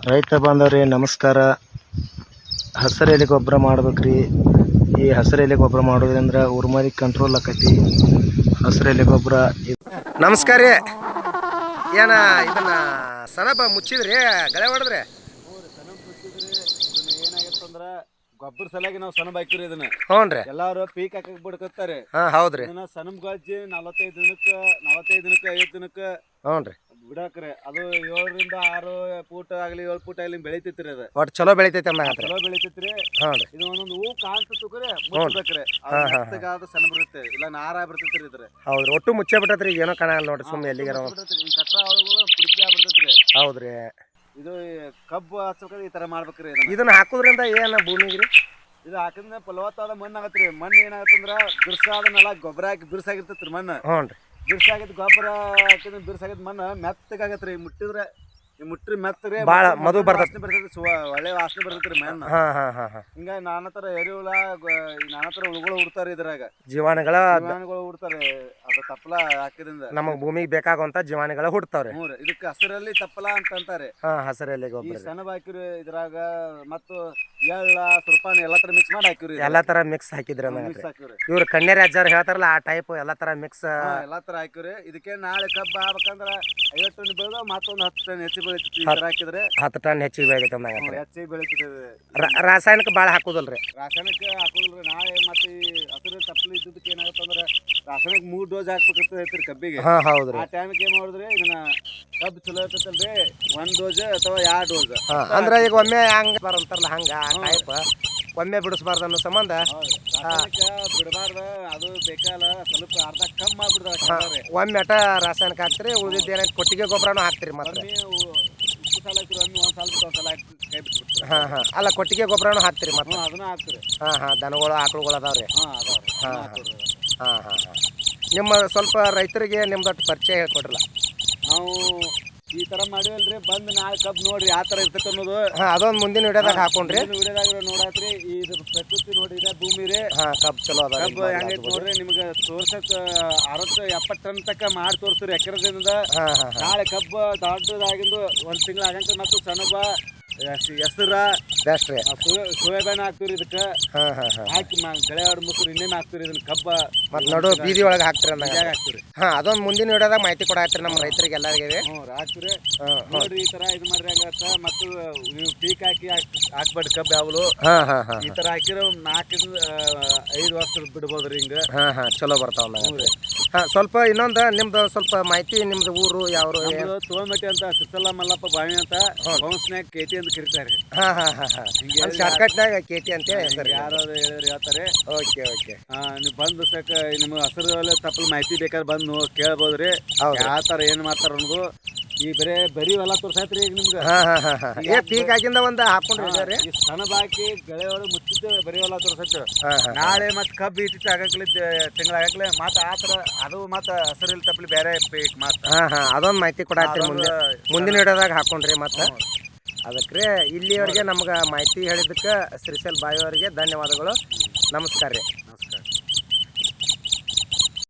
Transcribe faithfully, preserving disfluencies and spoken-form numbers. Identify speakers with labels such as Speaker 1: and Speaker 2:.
Speaker 1: ರೈತ ಬಾಂಧವರೇ ನಮಸ್ಕಾರ. ಹಸಿರು ಎಲೆ ಗೊಬ್ಬರ ಮಾಡ್ಬೇಕ್ರಿ. ಈ ಹಸಿರು ಎಲೆ ಗೊಬ್ಬರ ಮಾಡೋದ್ರಿಂದ ಉರ್ಮರಿ ಕಂಟ್ರೋಲ್ ಆಕೈತಿ. ಹಸಿರು ಎಲೆ ಗೊಬ್ಬರ.
Speaker 2: ನಮಸ್ಕಾರ ರೀ. ಏನ ಇದನ್ನ ಸನಬ ಮುಚ್ಚಿದ್ರಿ ಗಳೆ ಹೊಡೆದ್ರಿ?
Speaker 3: ಏನಾಗತ್ತಂದ್ರ ಗೊಬ್ಬರ ಸಲಾಗಿ ನಾವು ಸನಬ ಹಾಕಿರಿ ಇದನ್ನ.
Speaker 2: ಹ್ಞೂ ರೀ.
Speaker 3: ಎಲ್ಲಾರು ಪೀಕ್ ಹಾಕಕ್ ಬಿಡ್ಕತ್ತಾರೆ.
Speaker 2: ಹಾ ಹೌದ್ರಿ.
Speaker 3: ಇದನ್ನ ಸನಬ್ ಗಜ್ಜಿ ನಲವತ್ತೈದು ದಿನಕ್ಕ ನಲವತ್ತೈದು ದಿನಕ್ಕ ಐವತ್ತು ದಿನಕ್ಕ
Speaker 2: ಹ್ಞೂ ರೀ
Speaker 3: ಬಿಡಾಕ್ರಿ. ಅದು ಏಳರಿಂದ ಆರು ಫೂಟ್ ಆಗ್ಲಿ ಏಳು ಫೂಟ್ ಆಗ್ಲಿ ಬೆಳಿತೈತ್ರಿ. ಅದು
Speaker 2: ಒಟ್ಟು ಚಲೋ ಬೆಳಿತೈತಿ ಅಂದಂಗತ್ರಿ.
Speaker 3: ಚಲೋ ಬೆಳಿತೈತ್ರಿ.
Speaker 2: ಹ್ಞೂ ರೀ.
Speaker 3: ಇದು ಒಂದೊಂದು ಹೂ ಕಾಣ್ತಕ್ರಿ ಮುಚ್ಚಬೇಕ್ರಿ. ಮೆತ್ತಗಾದ ಸನ ಬರ್ತೈತಿ, ಇಲ್ಲ ನಾರ ಬರ್ತೈತ್ರಿ ಇದ್ರ.
Speaker 2: ಹೌದ್ರಿ. ಒಟ್ಟು ಮುಚ್ಚೆ ಬಿಟ್ಟತ್ರಿ, ಏನೋ ಕಾಣಲ್ಲ ನೋಡ್ರಿ. ಸುಮ್ಮನೆ ಎಲ್ಲಿಗಾರ
Speaker 3: ಈ ಕಟ್ರ ಒಳಗಳು ಪುಡಿಪಿ ಆಗ್ಬಿಡ್ತೈತ್ರಿ.
Speaker 2: ಹೌದ್ರಿ.
Speaker 3: ಇದು ಕಬ್ಬು ಹಚ್ಚಬೇಕ್ರಿ ಈ ತರ ಮಾಡ್ಬೇಕ್ರಿ.
Speaker 2: ಇದನ್ನ ಹಾಕುದ್ರಿಂದ ಏನ ಭೂಮಿಗ್ರಿ?
Speaker 3: ಇದು ಹಾಕಿದ್ರೆ ಫಲವತ್ತಾದ ಮಣ್ಣು ಆಗತ್ರಿ. ಮಣ್ಣು ಏನಾಗತ್ತಂದ್ರ ಬಿರ್ಸಾದ ನೆಲ ಗೊಬ್ಬರ ಹಾಕಿ ಬಿರ್ಸಾಗಿರ್ತೈತ್ರಿ ಮಣ್ಣು.
Speaker 2: ಹ್ಞೂ ರೀ.
Speaker 3: ಬಿರ್ಸಾಗಿದ್ ಗೊಬ್ಬರ ಹಾಕಿದ್ರೆ ಬಿರ್ಸಾಗಿದ್ ಮಣ್ಣು ಮೆತ್ತಗಾಗತ್ರಿ. ಮುಟ್ಟಿದ್ರೆ ಈ ಮುಟ್ರಿ ಮೆತ್ತಗೆ
Speaker 2: ಭಾಳ ಮಧು ಬರ್ತೈತಿ,
Speaker 3: ಬರ್ತೈತಿ, ಒಳ್ಳೆ ವಾಸನೆ ಬರ್ತೈತ್ರಿ ಮಣ್ಣು.
Speaker 2: ಹಾ ಹಾ ಹಾ ಹಾ
Speaker 3: ಹಿಂಗ ನಾನಾ ತರ ಎರೆಹುಳ ನಾನಾ ತರ ಹುಳುಗಳು ಉಡ್ತಾರ ಇದ್ರಾಗ.
Speaker 2: ಜೀವಾಣುಗಳ
Speaker 3: ಜೀವಾಣುಗಳು ಉಡ್ತಾರೆ. ಅದು ತಪ್ಪಲ ಹಾಕಿದ್ರಿಂದ
Speaker 2: ನಮಗ್ ಭೂಮಿಗೆ ಬೇಕಾಗುವಂತ ಜೀವಾಣುಗಳ ಹುಡ್ತಾವ್ರಿ.
Speaker 3: ಹ್ಞೂ ರೀ. ಇದಕ್ಕೆ ಹಸಿರಲ್ಲಿ ತಪ್ಪಲ ಅಂತ ಅಂತಾರೆ.
Speaker 2: ಹಾ ಹಸಿರು ಎಲೆ
Speaker 3: ಈ
Speaker 2: ಗೊಬ್ಬರ
Speaker 3: ಸೆಣಬ್ ಹಾಕಿರಿ ಇದ್ರಾಗ. ಮತ್ತು ಎಳ್ಳ ಸುರ್ಪಾನ ಎಲ್ಲಾ ತರ ಮಿಕ್ಸ್ ಮಾಡಿ ಹಾಕಿರಿ.
Speaker 2: ಎಲ್ಲಾ ತರ ಮಿಕ್ಸ್ ಹಾಕಿದ್ರಿ
Speaker 3: ಮಿಕ್ಸ್ ಹಾಕಿವ್ರಿ.
Speaker 2: ಇವ್ರು ಕನ್ಯಾ ಅಜ್ಜಾರ್ ಹೇಳ್ತಾರಲ್ಲ ಆ ಟೈಪ್ ಎಲ್ಲಾ ತರ ಮಿಕ್ಸ್
Speaker 3: ಎಲ್ಲಾ ತರ ಹಾಕಿವ್ರಿ. ಇದಕ್ಕೆ ನಾಳೆ ಕಬ್ಬ ಆಗ್ಬೇಕಂದ್ರ ಐವತ್ತು ಟನ್ ಬೆಳೆದ ಮತ್ತೊಂದು ಹತ್ತು ಟನ್ ಹೆಚ್ಚು ಬೆಳಿತೈತಿ. ಈ ತರ ಹಾಕಿದ್ರೆ
Speaker 2: ಹತ್ತು ಟನ್ ಹೆಚ್ಚಿಗೆ ಬೆಳಿತೈತೆ ಅಂದಂಗ.
Speaker 3: ಹೆಚ್ಚಿಗೆ ಬೆಳಿತೈತಿ.
Speaker 2: ರಾಸಾಯನಿಕ ಬಾಳ ಹಾಕುದಲ್ರಿ?
Speaker 3: ರಾಸಾಯನಿಕ ಹಾಕೋದಿಲ್ರಿ. ನಾಳೆ ಮತ್ತೆ ಈ ಹಸಿರು ತಪ್ಪಲು ಇದ್ದದಕ್ಕೆ ಏನಾಗತ್ತಂದ್ರ ರಾಸಾಯನಿಕ ಮೂರ್ ಡೋಸ್ ಹಾಕ್ಬೇಕಂತ ಹೇಳ್ತೀರಿ ಕಬ್ಬಿಗೆ.
Speaker 2: ಹಾ ಹೌದ್ರಿ.
Speaker 3: ಆ ಟೈಮ್ಗೆ ಏನ್ ಮಾಡಿದ್ರಿ, ಇದನ್ನ ಕಬ್ಬು ಚಲೋ ಇರ್ತೈತಲ್ರಿ, ಒಂದ್ ಡೋಸ್ ಅಥವಾ ಎರಡ್ ಡೋಸ್.
Speaker 2: ಅಂದ್ರೆ ಈಗ ಒಮ್ಮೆ ಹಂಗ ಬರಂತಾರಲ್ಲ ಹಂಗ ಆ ಟೈಪ್ ಒಮ್ಮೆ ಬಿಡಿಸ್ಬಾರ್ದು ಅನ್ನೋ ಸಂಬಂಧ
Speaker 3: ರಾಸಾಯನಿಕ ಬಿಡಬಾರ್ದ. ಅದು ಬೇಕಲ್ಲ ಸ್ವಲ್ಪ ಅರ್ಧ ಕಮ್ಮಿ ಆಗ್ಬಿಡ್ತಾರೆ.
Speaker 2: ಒಮ್ಮೆ ಅಟ ರಾಸಾಯನಿಕ ಹಾಕ್ತಿರಿ, ಉಳಿದಿದ್ದು ಏನೈತೆ ಕೊಟ್ಟಿಗೆ ಗೊಬ್ಬರನೂ ಹಾಕ್ತಿರಿ. ಮತ್ತೆ
Speaker 3: ಉಪ್ಪು ಸಾಲ ಹಾಕಿರಿ, ಒಮ್ಮೆ ಒಂದ್ ಸಾಲ ಬಿಟ್ಟು ಒಂದ್ ಸಲ ಕೈ ಬಿಟ್ಬಿಡ್ತೀರಿ.
Speaker 2: ಹಾ ಹಾ ಅಲ್ಲ ಕೊಟ್ಟಿಗೆ ಗೊಬ್ಬರನೂ ಹಾಕ್ತಿರಿ ಮತ್ತೆ?
Speaker 3: ಅದನ್ನ ಹಾಕ್ತಿರಿ.
Speaker 2: ಹಾ ಹಾ ದನಗಳು ಆಕಳುಗಳು ಅದಾವ್ರಿ.
Speaker 3: ಹಾ ಅದಾವ್ರಿ.
Speaker 2: ಹಾ ಹಾ ಹಾ ಹಾ ನಿಮ್ಮ ಸ್ವಲ್ಪ ರೈತರಿಗೆ ನಿಮ್ದೊಟ್ಟು ಪರಿಚಯ ಹೇಳ್ಕೊಡ್ರಲ್ಲ.
Speaker 3: ನಾವು ಈ ತರ ಮಾಡಿವಲ್ರಿ. ಬಂದ್ ನಾಳೆ ಕಬ್ಬು ನೋಡ್ರಿ ಯಾವ ತರ ಇರ್ತೈತೆ ಅನ್ನೋದು.
Speaker 2: ಹಾ ಅದೊಂದು ಮುಂದಿನ ವಿಡಿಯೋದಾಗ ಹಾಕೊಂಡ್ರಿ.
Speaker 3: ವಿಡಿಯೋದಾಗ ನೋಡಾತ್ರಿ. ಇದು ಪ್ರಕೃತಿ ನೋಡಿ, ಇದೆ ಭೂಮಿ ರೀ.
Speaker 2: ಹಾ ಕಬ್ಬು ಚಲೋ ಅದ.
Speaker 3: ಕಬ್ಬು ಹೆಂಗೈತಿ ನೋಡ್ರಿ. ನಿಮ್ಗೆ ತೋರ್ಸಕ್ ಅರವತ್ತು ಎಪ್ಪತ್ತು ಟನ್ ತಕ್ಕ ಮಾಡಿ ತೋರಿಸ್ತೀರಿ ಎಕರೆದಿಂದ.
Speaker 2: ಹಾ ಹಾ
Speaker 3: ನಾಳೆ ಕಬ್ಬು ದೊಡ್ಡದಾಗಿಂದು ಒಂದ್ ತಿಂಗಳ ಆಗಂತ ಮತ್ತು ಸಣ್ಣಬ ಹೆಸರ
Speaker 2: ಬೆಸ್ಟ್ ರೀ.
Speaker 3: ಸೋಯಾಬೀನ್ ಹಾಕ್ತಿವ್ರಿ ಇದಕ್ಕೆ.
Speaker 2: ಹಾ ಹಾ ಹಾ
Speaker 3: ಹಾಕಿ ಗಳೆ ಹೊಡ್ ಮುಸ್ರು ಇನ್ನೇನು ಹಾಕ್ತಿವ್ರಿ ಇದನ್ನ ಕಬ್ಬ
Speaker 2: ಮತ್ ನೋಡು ಬೀದಿ ಒಳಗೆ ಹಾಕ್ತಿರಿ ಅಂದಾಗ
Speaker 3: ಹಾಕ್ತಿವ್ರಿ.
Speaker 2: ಹಾ ಅದೊಂದು ಮುಂದಿನ ವಿಡಿಯೋದಾಗ ಮಾಹಿತಿ ಕೊಡಾತ್ರಿ ನಮ್ಮ ರೈತರಿಗೆ ಎಲ್ಲರಿಗೆ.
Speaker 3: ಹ್ಞೂ ಹಾಕ್ತಿವ್ರಿ. ನೋಡ್ರಿ ಈ ತರ ಇದು ಮಾಡ್ರಿ ಹಂಗತ್ತ. ಮತ್ತು ನೀವು ಪೀಕ್ ಹಾಕಿ ಹಾಕ್ಬೇಡಿ ಕಬ್ಬು ಯಾವಲು.
Speaker 2: ಹಾ ಹಾ ಹಾ
Speaker 3: ಈ ತರ ಹಾಕಿರೋ ನಾಲ್ಕರಿಂದ ಐದು ವರ್ಷ ಬಿಡ್ಬೋದ್ರಿ ಹಿಂಗ.
Speaker 2: ಹಾ ಹಾ ಚಲೋ ಬರ್ತಾವ ಅಂದಾಗ. ಹಾ ಸ್ವಲ್ಪ ಇನ್ನೊಂದು ನಿಮ್ದು ಸ್ವಲ್ಪ ಮಾಹಿತಿ. ನಿಮ್ದು ಊರು ಯಾವ್ರು?
Speaker 3: ತೋಮಟ್ಟಿ ಅಂತ ಸಿಸಲ ಮಲ್ಲಪ್ಪ ಬಾವಿ ಅಂತ ಬೌನ್ಸ್ನ್ಯಾಗ ಕೇತಿ ಅಂತ ಕರೀತಾರೆ.
Speaker 2: ಹಾ ಹಾ ಹಾ ಹಾ ಶಾರ್ಟ್ಕಟ್ನಾಗ ಕೇತಿ ಅಂತ ಸರ್
Speaker 3: ಯಾರು ಹೇಳಿದ್ರೆ ಹೇಳ್ತಾರೆ.
Speaker 2: Okay okay.
Speaker 3: ಹಾ ನೀವು ಬಂದು ಸಾಕ ನಿಮ್ಗೆ ಹಸಿರು ತಪ್ಪಲ್ ಮಾಹಿತಿ ಬೇಕಾದ್ರೆ ಬಂದು ಕೇಳ್ಬೋದ್ರಿ. ಯಾವ ತರ ಏನ್ ಮಾಡ್ತಾರ ಅನ್ನೋದು. ಈ ಬರೇ ಬರೀ ಹೊಲ ತೋರ್ಸಾಯ್ತ್ರಿ ಈಗ ನಿಮ್ಗೆ.
Speaker 2: ಹಾ ಹಾ ಹಾ ಹಾ ಏ ಪೀಕ್ ಆಗಿಂದ ಒಂದ್ ಹಾಕೊಂಡ್ರಿ.
Speaker 3: ಈ ಸಣ್ಣ ಬಾಕಿ ಗಳೆ ಒಳಗೆ ಮುಚ್ಚಿದ್ದು ಬರೀ ಹೊಲ ತೋರ್ಸೈತ್ರಿ. ನಾಳೆ ಮತ್ ಕಬ್ಬು ಇಟ್ಟಿಟ್ಟು ಆಗಕ್ಲಿ ತಿಂಗಳ ಆಗಕ್ಲೆ ಮತ್ತ ಆತರ ಅದು ಮತ್ತ ಹಸಿರಿಲ್ ತಪ್ಪಲಿ ಬೇರೆ ಪೀಕ್ ಮತ್ತ.
Speaker 2: ಹಾ ಹಾ ಅದೊಂದು ಮಾಹಿತಿ ಕೊಡಾತ್ರಿ ಮುಂದೆ ಮುಂದಿನ ವಿಡಿಯೋದಾಗ ಹಾಕೊಂಡ್ರಿ. ಮತ್ತ ಅದಕ್ಕೆ ಇಲ್ಲಿಯವರೆಗೆ ನಮ್ಗೆ ಮಾಹಿತಿ ಹೇಳಿದ್ದಕ್ಕೆ ಶ್ರೀಶೈಲ್ ಬಾಯಿ ಅವರಿಗೆ ಧನ್ಯವಾದಗಳು. ನಮಸ್ಕಾರ ರೀ.